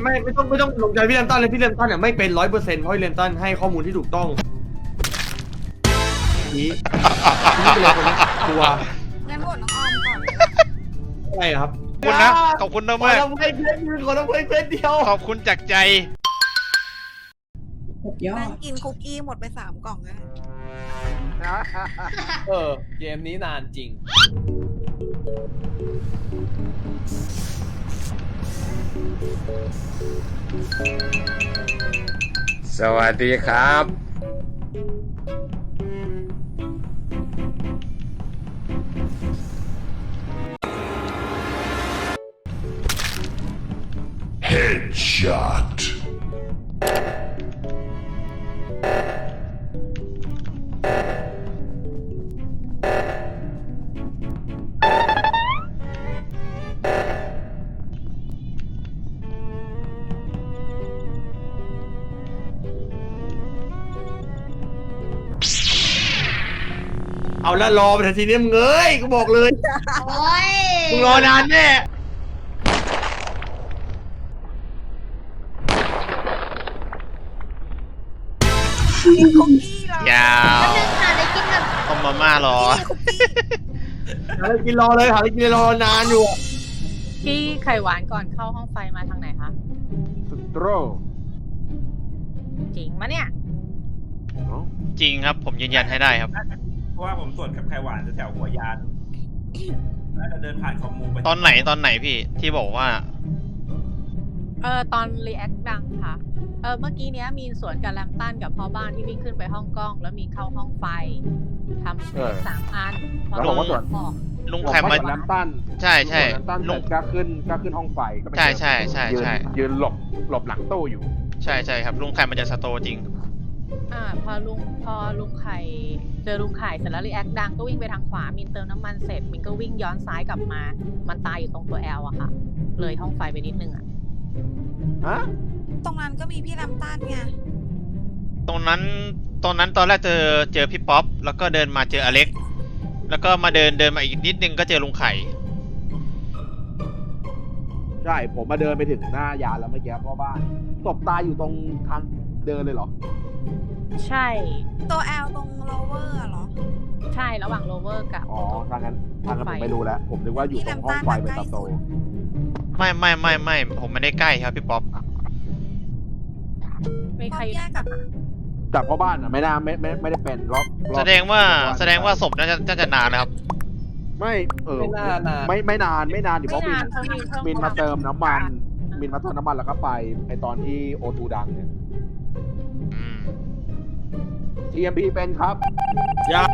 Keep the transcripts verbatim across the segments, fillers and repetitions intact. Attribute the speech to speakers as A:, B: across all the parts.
A: ไม่ไม่ต้องไม่ต้องลงใจพี่เลนตันเลยพี่เลนตันเนี่ยไม่เป็นร้อยเปอร์เซ็นต์เพราะพี่เลนตันให้ข้อมูลที่ถูกต้องนี้นี่เป็นคนตัว
B: งั้นโหวตน้องออมก่อน
A: อะไรครับ
C: ขอบคุณนะขอบคุณนะ
A: ขอ
C: มาก
A: ทำให้เพื่อนยืนขอทำให้เพื่อนเดียว
C: ขอบคุณจากใจ
D: ยอ
B: นั่ง
D: ด
B: กินคุกกี้หมดไปสามกล่องแล้ว
E: เออเกมนี้นานจริง
F: สวัสดีครับ
G: Headshot.
A: เอาละรอไปทันทีนี้มึงเอ้ยกูบอกเลย
B: โอ้ย
A: มึงรอนานแน่
B: กินคุกกี้เหรอย
C: าว
B: นึงค่ะได้กินแบบ
C: ต้มมาม่ารอ
B: คุกกี้
A: หาอะไรกินรอเลยหาอะไรกินรอนานอยู่
H: พี่ไข่หวานก่อนเข้าห้องไฟมาทางไหนคะ
F: สโตร
H: จริงมะเนี่ย
C: จริงครับผมยืนยันให้ได้ครับ
I: เพราะว่าผมตรวจกับไขหวานแถวหัวยานแล้วจะเดินผ่านคอมมูไป
C: ตอนไหนตอนไหนพี่ที่บอกว่า
H: เออตอนรีแอคดังค่ะ เออเมื่อกี้เนี้ยมีนสวนกับแลมตันกับพ่อบ้านที่วิ่งขึ้นไปห้องกล้อง แล้วมีเข้าห้องไฟทำเควสสามอันพอ
F: แล้วบอกว่าสวน
H: บอก
C: ลุงแคมมา
F: น้ำตั้น
C: ใช่ใช่
F: น้ำตั้น
C: ลุ
F: เสร็
C: ง
F: จก็ขึ้นก็ขึ้นห้องไฟก็ไป
C: ใช่ใช่ใช่
F: ยืน
C: ใช่
F: ยืนหลบหลบหลังตู้อยู่
C: ใช่ใช่ครับลุงแคมมาจากสโตร์จริง
H: อ่าพอลุงพอลุงไข่เจอลุงไข่เสร็จแล้วรีแอคดังก็วิ่งไปทางขวามินเติมน้ำมันเสร็จมินก็วิ่งย้อนซ้ายกลับมา มันตายอยู่ตรงตัวแอลอะค่ะ เลยห้องไฟไปนิดนึงอะ
F: ฮะ
B: ตรงนั้นก็มีพี่ลำต้านไง
C: ตรงนั้นตรงนั้นตอนแรกเจอเจอพี่ป๊อปแล้วก็เดินมาเจออเล็ก แล้วก็มาเดินเดินมาอีกนิดนึงก็เจอลุงไข่
F: ใช่ผมมาเดินไปถึงหน้ายานแล้วเมื่อกี้พ่อบ้านศพตายอยู่ตรงทางเดินเลยเหรอ
H: ใช่
B: ตัวแอลตรงโลเวอร์เหรอ
H: ใช่ระหว่างโรเวอร์กับ
F: อ๋อทางนั้นทางนั้นผมไม่รู้แล้ว ผมนึกว่าอยู่ตรงห้องไฟเป็นตาโต
C: ไม่ไม่ไม่ไม่ผมไม่ได้ใกล้ครับพี่ป๊อป
H: ไม่
B: พ
H: ใค
B: อ
H: ร
B: แยกกับ
F: แต่พ่อบ้านอ่ะไม่น่าไม่ไม่ไม่ได้เป็นรอบรอบ
C: แสดงว่าแสดงว่าศพน่าจะน่าจะนานนะครับ
F: ไม่เออ
E: ไม่น่านาน
F: ไม่ไม่นานไม่นานเดี๋ยวเพ
H: ไม่
F: ราะมิ
H: นาน นเพิ่มมีเพิ่ม
F: มินมาเติมน้ำมัน มินมาเติมน้ำมันแล้วก็ไปไอตอนที่โอทูดังเนี่ย
C: อืม
F: ที เอ็ม พี เป็นครับ
A: ยา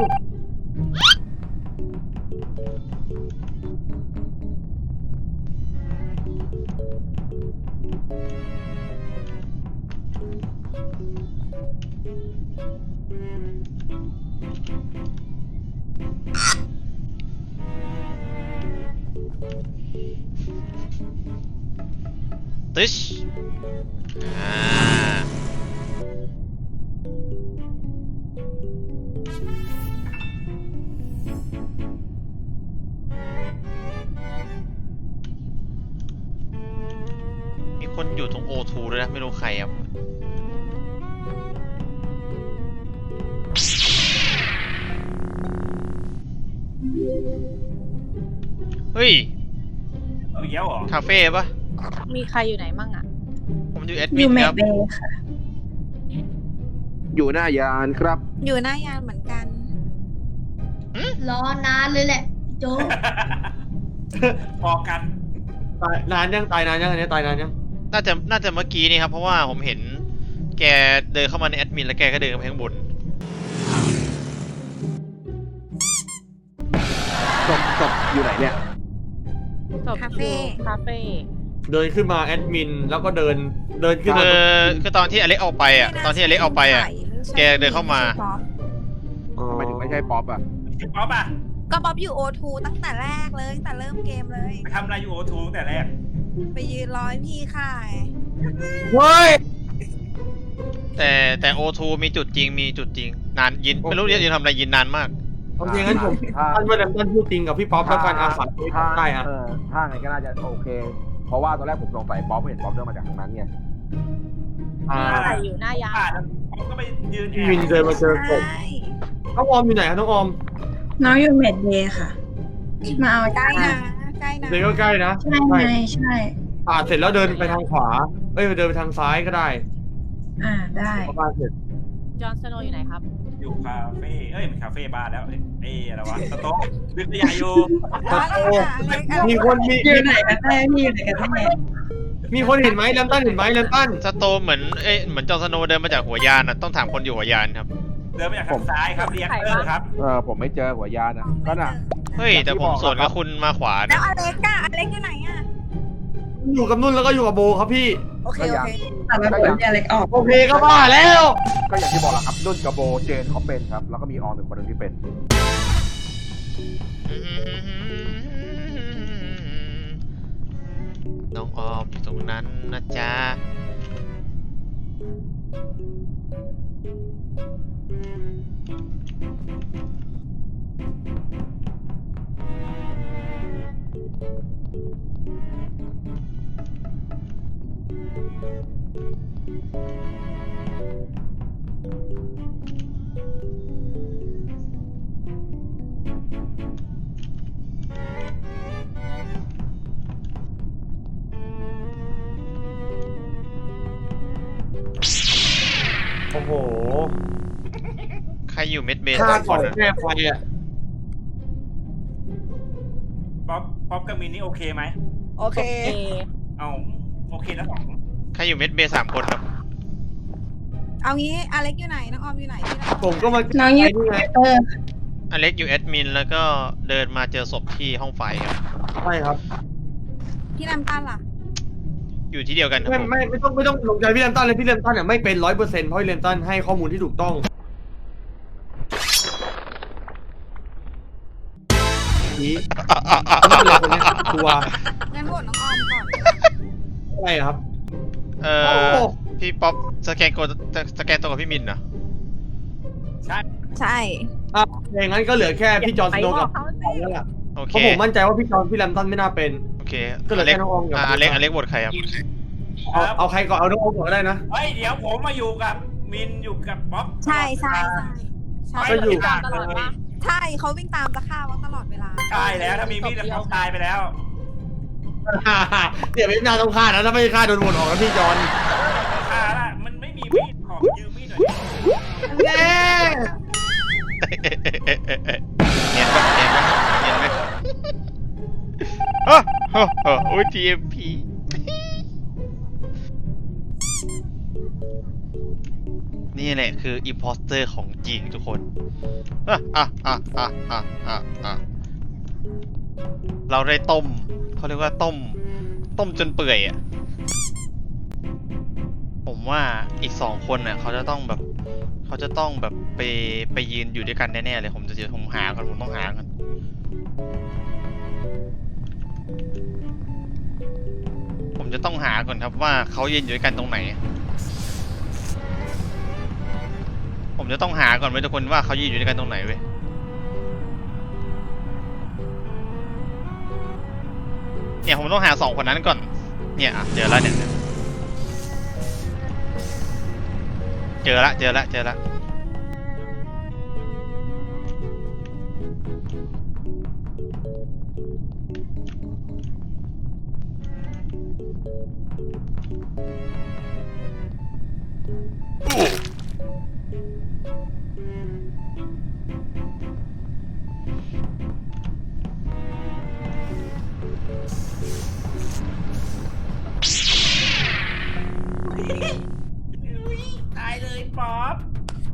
C: ติชอ่ามีคนอยู่ตรงโอทูด้วยนะไม่รู้ใครครับเฮ้ย
I: เอาอีกแล้วเหรอ
C: คาเฟ่ปะ
H: มีใครอยู่ไหนมั่งอะ
C: ผมอยู่แอด
D: อ
C: มิ
D: ยู่
C: น
D: แม
C: ค
D: ก
C: รับ
D: เบย์ค่ะ
F: อยู่หน้ายานครับ
B: อยู่หน้ายานเหมือนกัน
D: รอนานเลยแหละโจ๊ก
I: พอกัน
A: ตายนานยังตายนานยังอันนี้ตายนานยัง
C: น่าจะน่าจะเมื่อกี้นี่ครับ เพราะว่าผมเห็นแกเดินเข้ามาในแอดมินแล้วแกก็เดินไปข้างบน
F: ศพศพอยู่ไหนเนี่ย
H: จบ
B: คาเฟ่
H: อยู่คาเฟ่
A: เดินขึ้นมาแอดมินแล้วก็เดินเดินขึ้น
C: คื
A: มา
C: อคือตอนที่อเล็กออกไปอ่ะตอนที่อเล็กออกไปอ่ะ แกเดินเข้ามา
F: ทำไมถึงไม่ใช่ป๊อปอ่ะ
I: ป๊อปอะ
B: ก็บ๊อบอยู่โอทูตั้งแต่แรกเลยตั้งแต่เริ่มเกมเลย
I: ไปทำอะไรอยู่โอทูตั้งแต่แรก
B: ไปยืนร้อยพี่ค่ะ
A: เฮ้ย
C: แต่แต่โอทูมีจุดจริงมีจุดจริงนานยินไม่รู้เรียนยืนทำอะไรยินนานมาก
A: โอเคงั้นผม
F: ถ้า
A: ท่านว่าแดมตันพูดจริงกับพี่ป๊อปแล้วกันอาสา
F: ถ้า
A: ได้อะ
F: เออถ้าไงก็น่าจะโอเคเพราะว่าตอนแรกผมสงสัยป๊อปไม่เห็นป๊อปเดินมาจากทางนั้นไง
A: อ่า
H: อะไรอยู่หน้ายาน
I: ผ่านแล้วผมก็ไปยืนแอ
A: พี่
I: บ
A: มินเดินมาเจอศพ
B: ใช่
A: น้องออมอยู่ไหนครับน้องออม
J: น้องอยู่เมดเดย์ค่ะ มาเอา
B: ใกล้นะใกล้นะ
A: เดินก็ใกล้นะ
J: ใช่ไงใช่
A: อ่าเสร็จแล้วเดินไปทางขวาเอ้ยเดินไปทางซ้ายก็ได้
J: อ่าได้
A: ประมาณเสร็จ
H: จอห์นสโนว์อยู่ไหนครับ
I: อยู่คาเฟ่เอ้ยมันคาเฟ่บ้านแล้วเอ้ยเอ้ยอะไรวะสโต๊ะวิทยาอยู่
B: อะไรอะอะไรอะ
A: มีคนมี
J: อยู่ไหนกันแน่พี่อยู่ไหนกันแน่
A: มีคนเห็นไหมแลมตันเห็นไหมแลมตัน
C: สโตมเหมือนเอ้ยเหมือนจอห์นสโนว์เดินมาจากหัวยานนะต้องถามคนอยู่หัวยานครับ
I: เดินมาจากทางซ้ายครับเรียกเตอร์ครับ
F: เออผมไม่เจอหัวยานอ่ะก็น่ะ
C: เฮ้ยแต่ผมสวนกับคุณมาขวา
B: แล้
C: นะ
B: วอเล็กอะอเล็กอยู่ไหนอะ
A: อยู่กับนุ่นแล้วก็อยู่กับโบครับพี่
B: โอเคโอเค
J: แต่ละคนเนี่ยเล็กออก
A: โอเคก็บ้าแล้ว
F: ก็อย่างที่บอกแหละครับนุ่นกับโบเจนเขาเป็นครับ แล้วก็มีออมเป็นคนหนึงที่เป็น
C: น้องออมอยู่ตรงนั้นนะจ๊ะ
A: โอ้โห
C: ใครอยู่เม็ดเบส
A: ฆ่า
C: สามค
A: ก่อน
C: นอะ
A: แก้ไฟอ่ะ
I: ป๊อปป๊อปกับมินนี่โอเคไหม
B: โอเค
H: เอ
I: เอาโอเคนะสอง
C: ใครอยู่เม็ดเบสสามคนครับ
B: เอางี้อเล็กอยู่ไหนน้องออมอยู่ไหนพี่น้อง
A: ผมก็มา
J: น้องอยู่
A: ไนี่ไง
J: เออ
C: อเล็กอยู่แอดมินแล้วก็เดินมาเจอศพที่ห้องไฟครับ
A: ใช่ครับ
B: พี่น้ำตาลล่ะ
C: อยู่ที่เดียวกันครับ
A: ไม่
C: ผม
A: ไม่ไม่ต้องไม่ต้องลงใจพี่แลมตันเลยพี่แลมตันเนี่ยไม่เป็นร้อยเปอร์เซ็นต์เพราะพี่แลมตันให้ข้อมูลที่ถูกต้องนี้ไม่เป็นไรคนเนี้ยตัว
B: งั้นโหวตน้องออมก่อน
A: อะไรครับ
C: เอ
A: โอ้
C: อ
A: โห
C: พี่ป๊อปสแกนโกสแกนตัวกับพี่มินเหรอ
I: ใช่
B: ใช่
A: อ่ะอย่างนั้นก็เหลือแค่พี่จอห์นสโนว์กับ
H: เขา
A: ออมแล้วล่ะ
C: โอ
A: เพ
C: เค
A: ราะผมมั่นใจว่าพี่จอห์นพี่แลมตันไม่น่าเป็น
C: โอเค
A: ก็เหลือ
C: อเล็ก
A: แค่น้องออมกับ
C: อ่ะอเล็กอเล็กบทใครครับ
A: เอาเอาใครก่อนเอาน้องออมก่อนก็ได้นะ
I: เฮ้ยเดี๋ยวผมมาอยู่กับมินอยู่กับป๊อป
B: ใช่ใช่ใช่ใช่
A: ก็อยู่
I: ไม่ได้ตลอดว่า
B: ใช่เขาวิ่งตามจะฆ่าว่าตลอดเวลา
I: ใช่แล้วถ้ามีมีดแล้วเขาตายไปแล้ว
A: เดี๋ยวไม่น่าต้องฆ่านะถ้าไม่ฆ่าโดนโหวตออกนะพี่จอห์น
I: ฆ่าละมันไม่มีมีดขอยืมมีดหน่อย
A: แน่
C: เนียนปะเนียนปะเนียนไหมโอ้โหโอ้ย ที เอ็ม พี นี่แหละคืออิมพอสเตอร์ของจริงทุกคนอ่ะอ่ะอ่ะอ่ะอ่ะอ่ะอ่ะเราได้ต้มเขาเรียกว่าต้ม ต้มจนเปื่อยอ่ะ ผมว่าอีกสองคนน่ะเขาจะต้องแบบ เขาจะต้องแบบไปไปยืนอยู่ด้วยกันแน่ๆเลยผมจะผมหาก่อนผมต้องหาก่อนผมจะต้องหาก่อนครับว่าเขายืนอยู่ด้วยกันตรงไหน ผมจะต้องหาก่อนไว้ทุกคนว่าเขายืนอยู่ด้วยกันตรงไหนเว้ยเนี่ยผมต้องหาสองคนนั้นก่อนเนี่ยอ่ะเจอแล้วเนี่ยเจอละเจอละเจอละ
I: ตายเลยป๊อป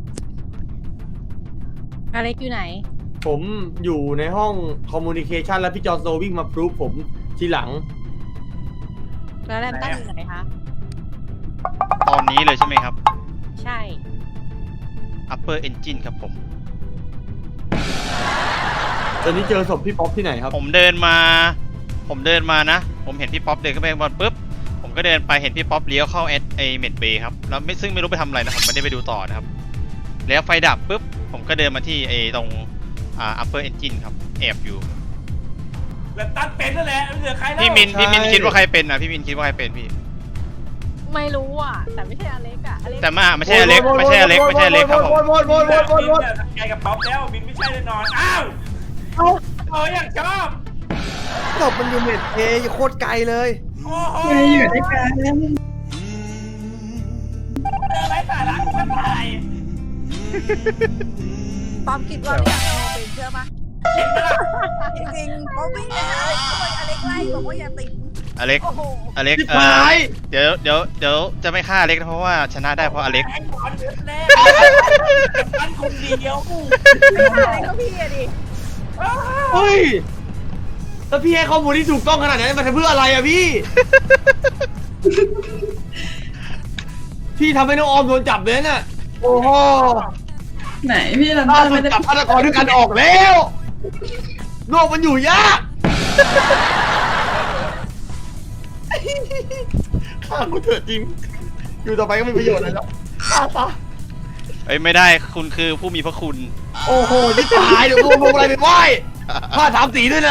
H: อเล็กอยู่ไหน
A: ผมอยู่ในห้องคอมมูนิเคชันแล้วพี่จอห์นสโนว์วิ่งมาพรูฟผมทีหลัง
H: แล้วแลมตันอยู่ไหนคะ
C: ตอนนี้เลยใช่ไหมครับ
H: ใช่
C: upper engine ครับผม
A: ตอนนี้เจอศพพี่ป๊อปที่ไหนครับ
C: ผมเดินมา ผมเดินมานะ ผมเห็นพี่ป๊อปเดินขึ้นไปข้างบนปุ๊บ ผมก็เดินไปเห็นพี่ป๊อปเลี้ยวเข้าเอไอเมดเบย์ครับ แล้วไม่ซึ่งไม่รู้ไปทำอะไรนะ ผมไม่ได้ไปดูต่อนะครับ แล้วไฟดับปุ๊บ ผมก็เดินมาที่ไอตรงอ่า upper engine ครับ แอบอยู่
I: แล้วตั้นเป็นนั่นแหละไม่เหลือใครแล้ว
C: พี่มินพี่มินคิดว่าใครเป็นอ่ะพี่มินคิดว่าใครเป็นพี่
H: ไม่รู้อ่ะ แต่ไม่ใช่อเล็กอ่ะอเล็ก
C: แต่มาไม่ใช่อเล็กไม่ใช่อเล็กไม่ใช่อเล็กครับผม
A: โวนโวนโวนโวนโวนโวน
I: ไกลกับป๊อปแล้วมินไม่ใช่แน่นอนอ้าวเอออยากชอบ
A: ศพมันอยู่เม็ดเอโคตรไกลเลย
I: โอ้โห
J: ไม่อยู่ด้วยกัน
I: เจอไรสาระกูตาย
B: ปอมคิดว่าพี่โนเป็นเชื่อปะจริงๆเขาวิ่งไปหาอเล็กเขาไปอเล็กไล่บอกว่าอย่าติด
C: อเล็ก
B: โอ้โห
C: อเล็ก
A: ชิบ
C: เอ่อ
A: หาย
C: เดี๋ยวเดี๋ยวเดี๋ยวจะไม่ฆ่าอเล็กนะเพราะว่าชนะได้เพราะอเล็ก
I: ไอ้บอลเดือดแน่ตั้นคนเดียว
B: อะไรก็พี่อะดิ
A: เฮ้ยแล้วพี่ให้ข้อมูลที่ถูกต้องขนาดนั้นมันทำเพื่ออะไรอะพี่ พี่ทำให้น้องออมโดนจับเลยน่ะโอ้โห
J: ไหนพี่ลัน
A: ถ้า
J: ต้า
A: มั
J: ไม่
A: น
J: ได้
A: จับฆาตกรด้วยกันออกแล้วโลกมันอยู่ยากฆ่ากูเถอะจริง อยู่ต่อไปก็ไม่มีประโยชน์อะไรแล้วฆ่าซะ
C: เอ้ยไม่ได้คุณคือผู้มีพระคุณ
A: โอ้โหที่ตายเดี๋ยวกูเอาพวงอะไรไปไหว้ผ้าถามสีด้วยนะ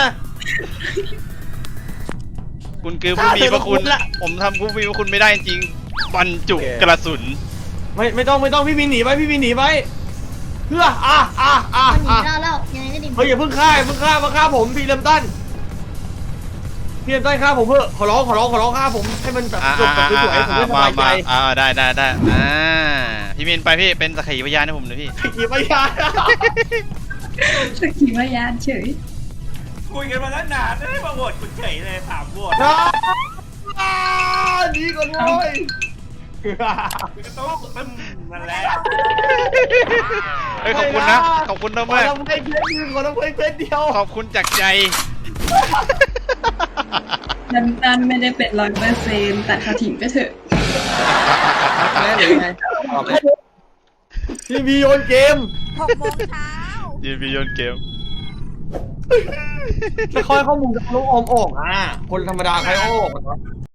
C: คุณคือผู้มีพระคุณ
A: ฆ่าเธอก็คุ้มละ
C: ผมทำผู้มีพระคุณไม่ได้จริงบรรจุกระสุน
A: ไม่ไม่ต้องไม่ต้องพี่วินหนีไปพี่วินหนีไปเพื่ออ่ะอ่ะอ่ะ
D: มันหนี
A: อ่ะ
D: เราแล้วยังไงก็ดี
A: เฮ้ยอย่าเพิ่งฆ่าอย่าเพิ่งฆ่ามาฆ่าผมพี่เริ่มต้นพี่เริ่มต้นฆ่าผมเพื่อขอร้องขอร้องขอร้องฆ่าผมให้มันแบบ
C: อ่า
A: จบแบบสวยๆผมจะสบายใจ
C: อ่าได้ได้ได้อ่าพี่มินไปพี่เป็นสักขีพยานให้ผมหน่อยพี่
A: ขี่ไปยา
J: สกีมายานเฉย
I: คุยกันมาตั้งนานไม่ได้มาโหวตคุณเฉยเลยสามโหวต
A: น้าดีก่อนเว้ย
I: คุณก็ต้องตึ้มนั่นแหละ
C: เฮ้ยขอบคุณนะขอบคุณ
A: ขอ
C: มาก
A: ทำให้เพชรนึงขอทำให้เพชรเดียว
C: ขอบคุณจากใจ
J: ลันตันไม่ได้เป็นร้อยเปอร์เซ็นต์แต่เขาทิ้งไปเถอะ
A: แม่หรือไงพี่มีโยนเกม
B: หกโมงเช้า
C: ยืนบีโยนเกม
A: จะคอยข้อมูลจากน้องออมออกอ่ะคนธรรมดาใครออก